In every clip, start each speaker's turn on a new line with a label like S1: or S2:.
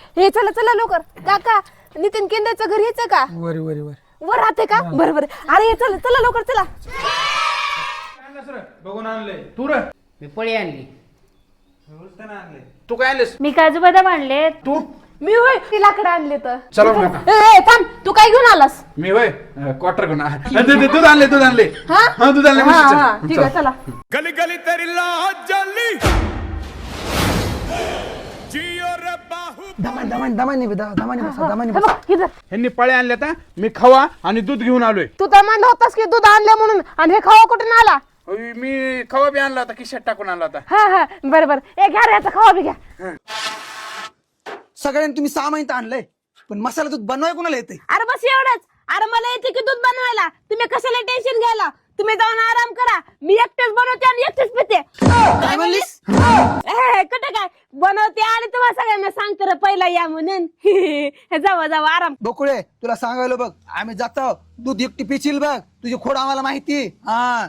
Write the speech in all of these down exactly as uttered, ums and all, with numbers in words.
S1: हे चला चला लवकर. काका नितीन केंद्राचं घर यायचं का?
S2: वर वर वर
S1: वर राहते का? बरं बरं. अरे हे चला चला लवकर चला.
S2: बघून आणलंय तू रे.
S3: मी पळी आणली.
S2: तू काय आणलेस?
S4: मी काजू बदाम आणले.
S2: तू?
S1: मी होय ती लाकडं आणले तर.
S2: चला मग आता.
S1: ए, ए, थांब तू काय घेऊन आलास?
S2: मी होय क्वार्टर घेऊन आ- दे- दे- दूध आणले दूध आणले
S1: हा
S2: हा दूध आणले
S1: हा,
S2: म्हशीचं.
S1: हा, ठीक आहे चला.
S5: गली गली तेरी लाज जली जियो रे बाहु
S6: दमान दमान दमानी बसा दमानी बसा दमानी
S1: हे
S6: बसा.
S1: बघ, इथं.
S2: ह्यांनी पळे आणले आता मी खवा आणि दूध घेऊन आलोय.
S1: तू तर म्हणला होतास की दूध आणलं म्हणून आणि हे खावा कुठून आला?
S2: अय, मी खवा बी आणला होता खिशात टाकून आणला होता.
S1: हा हा बरं बरं. ए घ्या रे याचा खावा बी घ्या.
S6: सगळ्यांनी तुम्ही सहा महिने आणलंय पण मसाला दूध बनवाय कोणाला येते?
S1: अरे बस एवढंच. अरे मला येते की दूध बनवायला. तुम्ही कशाला टेन्शन घ्यायला? तुम्ही जाऊन आराम करा. मी एकटेच बनवते आणि एकटेच पिते.
S6: काय म्हणलीस?
S1: ए, कुठं काय बनवते आणि तुम्हाला सगळ्यांना सांगते रे पहिला या म्हणून. जावा जावा आराम.
S6: बकुळे तुला सांगायला बघ आम्ही जातो दूध एकटी पिशील बघ तुझी खोड आम्हाला माहिती. हा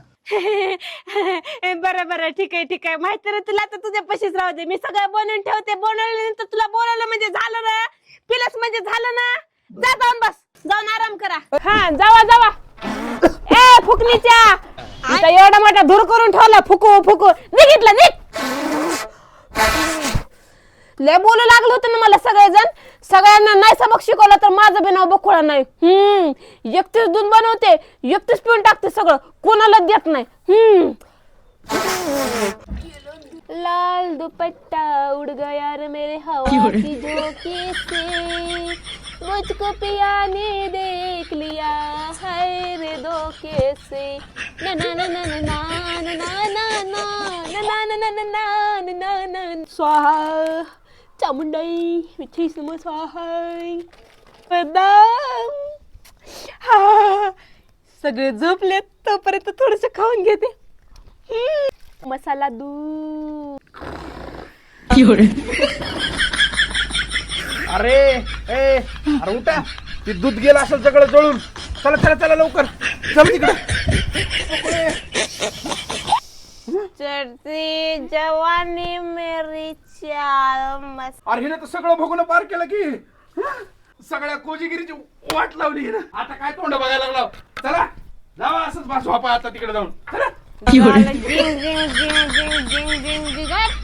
S1: बरं बरं ठीक आहे ठीक आहे. माहिती रे तुला तर तुझ्या पशीच राहू दे. मी सगळं बनवून ठेवते. बनवल्यानंतर तुला बोलायला म्हणजे झालं ना. पिलस म्हणजे झालं ना. जा जाऊन बस. जाऊन आराम करा. हा जावा जावा. ए फुकणीच्या इथं एवढा मोठा धूर करून ठेवला. फुकू फुकू निघितलं निघ. लय बोलू लागलं होतं ना मला सगळेजण. सगळ्यांना नाही सबक शिकवलं तर माझं बी नाव बकुळा नाही. हम्म एकटीच दूध बनवते एकटीच पिऊन टाकते सगळं. कोणाला देत नाही. हम्म लाल दुपट्टा उड़ गया रे मेरे हवा की झोंके से. मुझको पिया ने देख लिया है रे धोखे से. ना ना ना ना ना ना ना ना ना ना ना ना ना ना ना स्वाहा चामुंडाई मिठी समोर स्वाहा. बदाम हा सगळे झोपलेत तोपर्यंत थोडस खाऊन घेते. हम्म, मसाला दूध.
S2: अरे ए अरे उठा ते दूध गेलं असेल सगळं जळून. चला चला चला लवकर चल तिकडे.
S1: चढ़ती जवानी मेरी चाल मस्त.
S2: अरे हिनं तर सगळं भोगून पार केलं की. हं? सगळ्या कोजीगिरीची वाट लावली हिनं. आता काय तोंड बघायला लागला. चला जावा असंच बस वापा आता तिकडे जाऊन. चला
S1: जिंग जिंग जिंग जिंग जिंग जिंग जिंग जिंग.